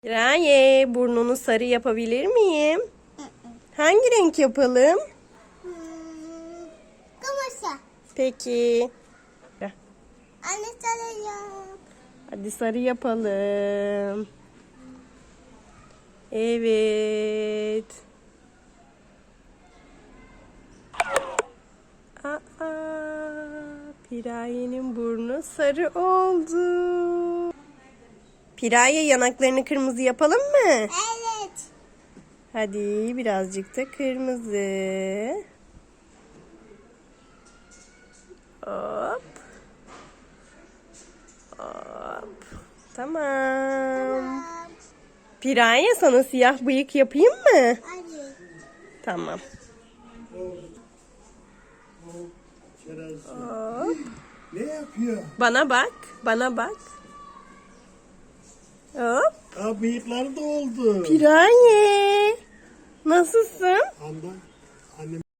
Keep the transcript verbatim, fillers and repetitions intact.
Raye, burnunu sarı yapabilir miyim? Hangi renk yapalım? Hmm, Kırmızı. Peki. Anne sarı yap. Hadi sarı yapalım. Evet. Aa, Piraye'nin burnu sarı oldu. Piraye, yanaklarını kırmızı yapalım mı? Evet. Hadi birazcık da kırmızı. Hop. Hop. Tamam. Tamam. Piraye, sana siyah bıyık yapayım mı? Hadi. Tamam. Hop. Ne yapıyor? Bana bak. Bana bak. Hop. Aa, bıyıkları da oldu. Piraye. Nasılsın? Anda.